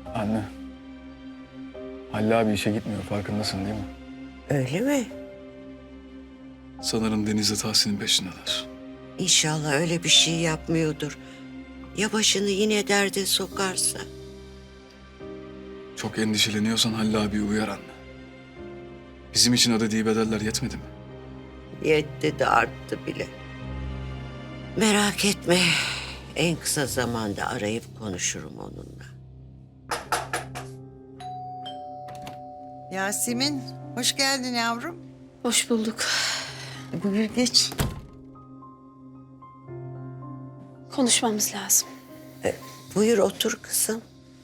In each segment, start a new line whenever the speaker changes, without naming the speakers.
Anne. Halil abi işe gitmiyor, farkındasın değil mi?
Öyle mi?
Sanırım Deniz'le Tahsin'in peşindeler.
İnşallah öyle bir şey yapmıyordur. Ya başını yine derde sokarsa?
Çok endişeleniyorsan Halil abiyi uyar anne. Bizim için ödediği bedeller yetmedi mi?
Yetti de arttı bile. Merak etme. En kısa zamanda arayıp konuşurum onunla.
Yasemin, hoş geldin yavrum.
Hoş bulduk.
Buyur geç.
Konuşmamız lazım.
Buyur otur kızım.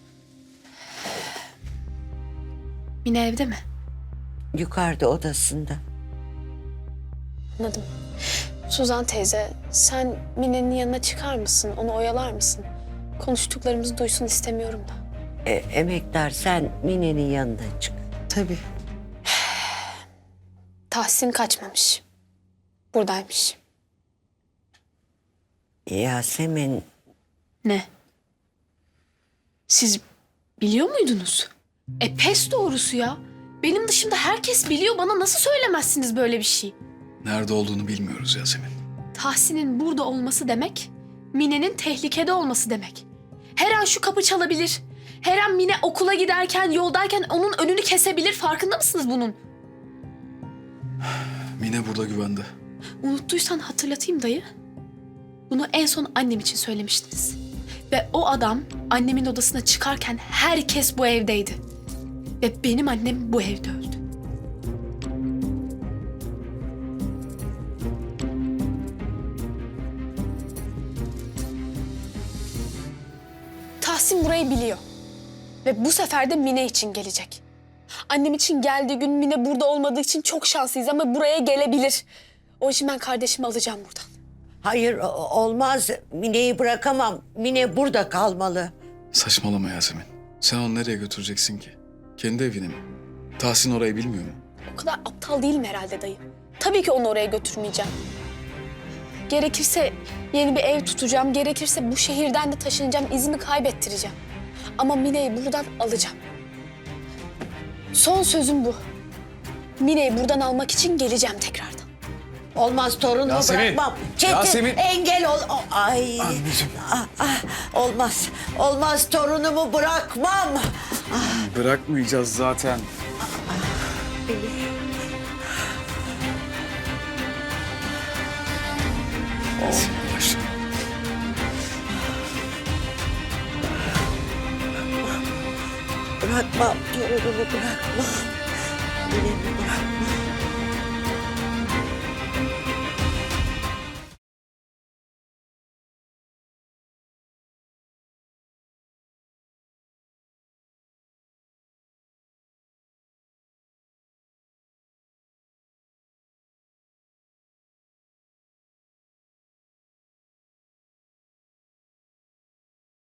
Mine evde mi?
Yukarıda odasında.
Anladım. Suzan teyze, sen Mine'nin yanına çıkar mısın? Onu oyalar mısın? Konuştuklarımızı duysun istemiyorum da.
Emektar sen Mine'nin yanına çık.
Tabii.
Tahsin kaçmamış. Buradaymış.
Yasemin
Ne? Siz biliyor muydunuz? Pes doğrusu ya. Benim dışımda herkes biliyor. Bana nasıl söylemezsiniz böyle bir şey?
Nerede olduğunu bilmiyoruz Yasemin.
Tahsin'in burada olması demek, Mine'nin tehlikede olması demek. Her an şu kapı çalabilir. Her an Mine okula giderken, yoldayken onun önünü kesebilir. Farkında mısınız bunun?
Mine burada güvende.
Unuttuysan hatırlatayım dayı. Bunu en son annem için söylemiştiniz. Ve o adam annemin odasına çıkarken herkes bu evdeydi. Ve benim annem bu evde öldü. Tahsin burayı biliyor. Ve bu sefer de Mine için gelecek. Annem için geldiği gün Mine burada olmadığı için çok şanslıyız ama buraya gelebilir. O için ben kardeşimi alacağım buradan.
hayır olmaz. Mine'yi bırakamam. Mine burada kalmalı.
Saçmalama Yasemin. Sen onu nereye götüreceksin ki? Kendi evine mi? Tahsin orayı bilmiyor mu?
O kadar aptal değilim herhalde dayı. Tabii ki onu oraya götürmeyeceğim. Gerekirse yeni bir ev tutacağım. Gerekirse bu şehirden de taşınacağım. İzimi kaybettireceğim. Ama Mine'yi buradan alacağım. Son sözüm bu. Mine'yi buradan almak için geleceğim tekrardan.
Olmaz torunumu
Yasemin!
bırakmam. Çetin
Yasemin!
engel ol. Ay.
Anneciğim.
Olmaz. Olmaz torunumu bırakmam.
Bırakmayacağız zaten.
Yavaş.
Bırakmam torunumu bırakmam.